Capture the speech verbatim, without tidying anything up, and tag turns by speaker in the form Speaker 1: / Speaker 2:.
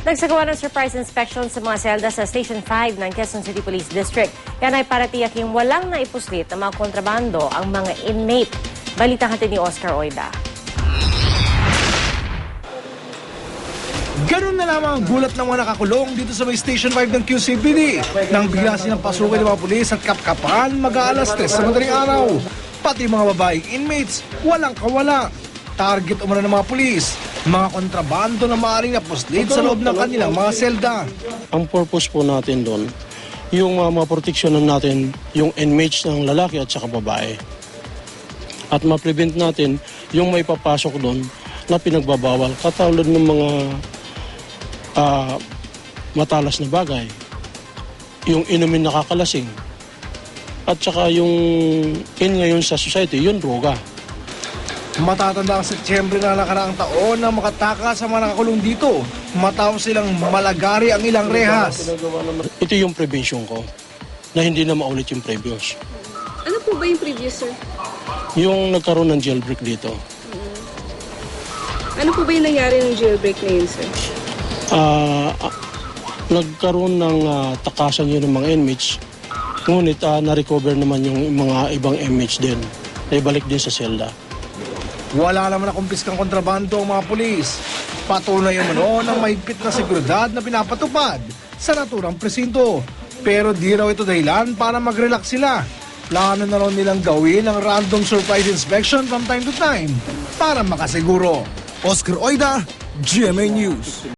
Speaker 1: Nagsagawa ng surprise inspection sa mga selda sa Station five ng Quezon City Police District. Yan ay para tiyaking walang naipuslit na mga kontrabando ang mga inmate. Balitang hatid ni Oscar Oida.
Speaker 2: Ganun na lamang ang gulat ng mga nakakulong dito sa may Station five ng Q C P D nang bigla silang pasukin ng mga pulis at kapkapan mag-aalas tres sa madaling araw. Pati mga babaeng inmates, walang kawala. Target umano ng mga pulis, mga kontrabando na maaaring napuslit sa loob ng kanilang mga selda.
Speaker 3: Ang purpose po natin doon, yung uh, maproteksyonan natin yung inmates ng lalaki at saka babae. At ma-prevent natin yung may papasok doon na pinagbabawal, katulad ng mga uh, matalas na bagay, yung inumin nakakalasing, at saka yung in ngayon sa society, yung droga.
Speaker 2: Matatanda ang Setyembre na nakaraang taon na makataka sa mga nakakulong dito matapos silang malagari ang ilang rehas.
Speaker 3: Ito yung prevention ko, na hindi na maulit yung previous.
Speaker 4: Ano po ba yung previous, sir?
Speaker 3: Yung nagkaroon ng jailbreak dito.
Speaker 4: Ano po ba yung nangyari ng jailbreak na yun, sir?
Speaker 3: Uh, uh, nagkaroon ng uh, takasan yun ng mga inmates, ngunit uh, na-recover naman yung mga ibang inmates din. Naibalik din sa selda.
Speaker 2: Wala naman na kumpiskang kontrabando ang mga pulis. Patunay umano ng mahigpit na seguridad na pinapatupad sa naturang presinto. Pero di raw ito dahilan para mag-relax sila. Plano na raw nilang gawin ang random surprise inspection from time to time para makasiguro. Oscar Oida, G M A News.